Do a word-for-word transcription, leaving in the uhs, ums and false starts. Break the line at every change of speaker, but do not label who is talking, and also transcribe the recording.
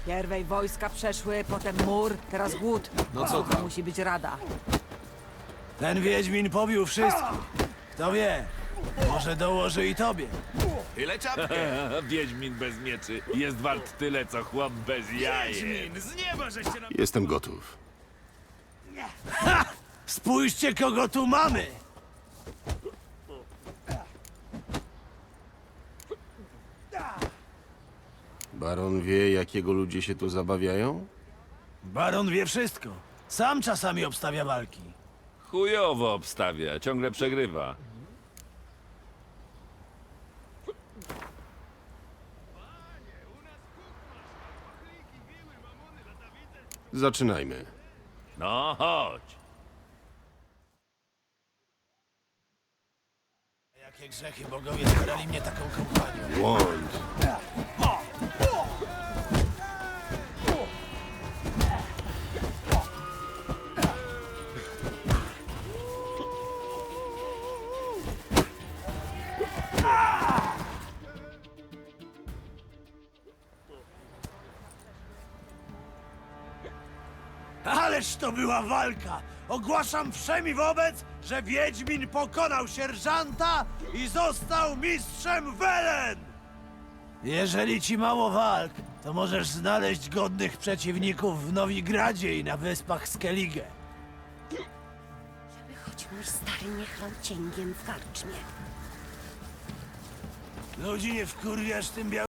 Pierwej wojska przeszły, potem mur, teraz głód.
No co tam?
Musi być rada.
Ten Wiedźmin pobił wszystkich. Kto wie, może dołoży i tobie.
Tyle czapkę!
Wiedźmin bez mieczy jest wart tyle, co chłop bez jajek.
Z nieba żeście nam...
Jestem gotów.
Spójrzcie, kogo tu mamy!
Baron wie, jakiego ludzie się tu zabawiają?
Baron wie wszystko. Sam czasami obstawia walki.
Chujowo obstawia, ciągle przegrywa.
Zaczynajmy.
No chodź.
Jakie grzechy bogowie zabrali mnie taką kompanią.
Błąd.
Ależ to była walka! Ogłaszam wszemi wobec, że Wiedźmin pokonał sierżanta i został mistrzem Welen! Jeżeli ci mało walk, to możesz znaleźć godnych przeciwników w Nowigradzie i na wyspach Skellige.
Żeby choć mój stary nie chlał cięgiem w karczmie.
Ludzi nie wkurwiasz tym białym...